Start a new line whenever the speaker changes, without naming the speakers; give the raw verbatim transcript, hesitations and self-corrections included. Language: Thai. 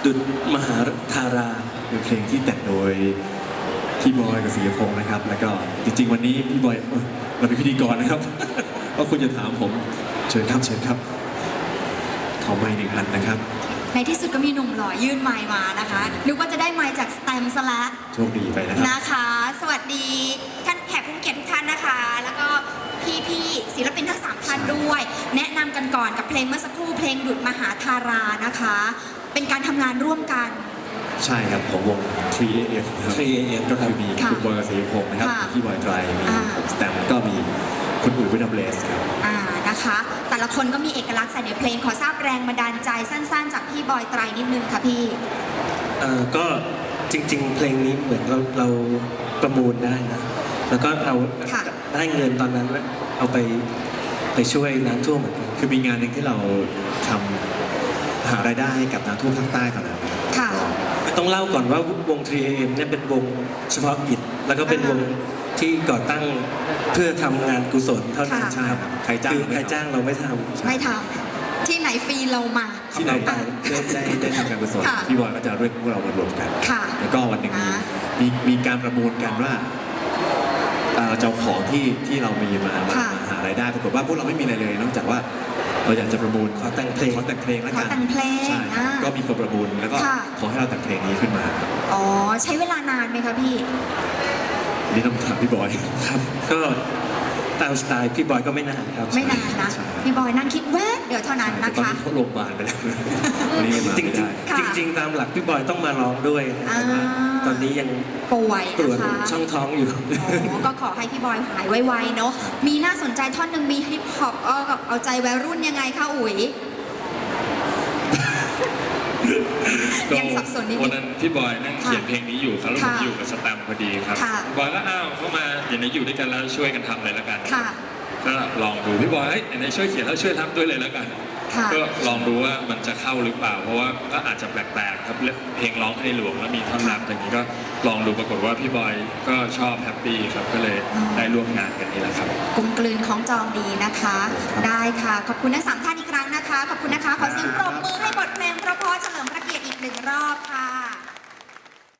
ดุจมหาธารา
เป็นเพลงที่แต่งโดยพี่บอยกับศิริพงษ์นะครับ แล้วก็จริงๆวันนี้พี่บอยเอ่อเราเป็นพิธีกรนะครับ ว่าคุณจะถามผมเชิญครับเชิญครับขอไมค์หนึ่งอันนะครับ
ในที่สุดก็มีหนุ่มหล่อยื่นไมค์มานะคะนึกว่าจะได้ไมค์จากสแตมป์ซะละ
โชคดีไปนะครับ
นะคะ สวัสดีท่านแขกผู้มีเกียรติทุกท่านนะคะ แล้วก็พี่ๆศิลปินทั้งสามท่านด้วย แนะนำกันก่อนกับเพลงเมื่อสักครู่เพลงดุจมหาธารานะคะ เป็นการทำงานร่วมกัน
ใช่ครับของวง ทรี เอ เอฟ นะครับ
ทรี เอ เอฟ
ก็คือมี
ค่ะ
คุณบอยกับศิริพงษ์นะครับ
ค่ะ
พี่บอยไตรมี
อ่า
ผมสแตมป์ก็มีคุณอุ๋ยวินัมเลสครับ
อ่านะคะ แต่ละคนก็มีเอกลักษณ์ใส่ในเพลงขอทราบแรงบันดาลใจสั้นๆ จากพี่บอยไตรนิดนึงค่ะพี่
เอ่อก็จริงๆ เพลงนี้เหมือนเราเราประมูลได้นะ แล้วก็เอา
ค่ะ
ได้เงินตอนนั้นแล้วเอาไปไปช่วยน้ำท่วมเหมือนกัน
คือมีงานหนึ่งที่เราทำหารายได้ให้กับน้ำท่วมภาคใต้ตอนนั้นนะครับ
ค่ะ
ต้องเล่าก่อนว่าวง ทรี เอ เอ็ม เนี่ยเป็นวงเฉพาะกิจแล้วก็เป็นวงที่ก่อตั้งเพื่อทำงานกุศลเท่านั้น
ค่ะ
ใช่ครับ
ใครจ้าง
คือ
ไม่
ใคร
ทำ
จ้างเราไม่ทำ
ไม่ทำที่ไหนฟรีเรามา
ที่ไหนได้ได้ได้ได้ทำการกุศล
ค่ะ
พี่บอยก็จะเรียกพวกเรามารวมกัน
ค่ะ
แล้วก็วันหนึ่งมี
อ่า
มีมีการประมูลกันว่าเอ่อเราจะเอาของที่ที่เรามีมามา
ค่ะ
มาหารายได้ปรากฏว่าพวกเราไม่มีอะไรเลย นอกจากว่าเราอยากจะประมูล
ขอแต่งเพลง
ขอแต่งเพลงแล้ว
ขอ
กัน
แต่งเพลง
ใช่
อ่า
ก็มีคนประมูลแล้วก็
ค่ะ
ขอให้เราแต่งเพลงนี้ขึ้นมาครับ
อ๋อ ใช้เวลานานไหมคะพี่
นี่ต้องถามพี่บอย
ครับก็ตามสไตล์พี่บอยก็ไม่นานครับ
ไม่นานนะ
ใช่
พี่บอยนั่งคิดแวบเดี๋ยวเท่านั้น
แต่
นะ
ตอน
คะ
นี้เขาโรงพยาบาลไปแล้ววันนี้มา
จริง
ไม่
จริ
ได้
ง
ค่ะ
จริงๆตามหลักพี่บอยต้องมาร้องด้วย
อ่า
แต่ว่าตอนนี้ยัง
ป่วย
ตรวจ
นะคะ
ช่องท้องอยู่
อ๋อ ก็ขอให้พี่บอยหายไวๆเนาะ มีน่าสนใจท่อนหนึ่งมีฮิปฮอปเออเอาใจวัยรุ่นยังไงคะอุ๋ย ยังสับสนนิด
วัน
นึ
นั้
ง
นพี่บอยนั่งเขียน
ค่ะ
เพลงนี้อยู่ครับแล้วผม
ค่ะ
อยู่กับสแตมป์พอดีครับ
ค่ะ
บอยก็อ้าวเข้ามาเดี๋ยวนี้อยู่ด้วยกันแล้วช่วยกันทำเลยแล้วกัน
ค่ะ
ก็ลองดูพี่บอยเฮ้ยไหนๆช่วยเขียนแล้วช่วยทำด้วยเลยแล้วกัน
ค่ะ
ก็ลองดูว่ามันจะเข้าหรือเปล่า เพราะว่าก็อาจจะแปลกๆครับเพลงร้องให้ในหลวงแล้วมีท่อนรำอย่างนี้ก็ลองดูปรากฏว่าพี่บอยก็ชอบแฮปปี้ครับก็เลย
อืม
ได้ร่วมงานกันนี่แหละครับ
กลมกลืนของจองดีนะคะ ได้ค่ะ ขอบคุณทั้งสามท่านอีกครั้งนะคะ ขอบคุณนะคะ ขอเสียงปรบมือให้บทเพลงเพราะๆเฉลิมพระเกียรติอีกหนึ่งรอบค่ะ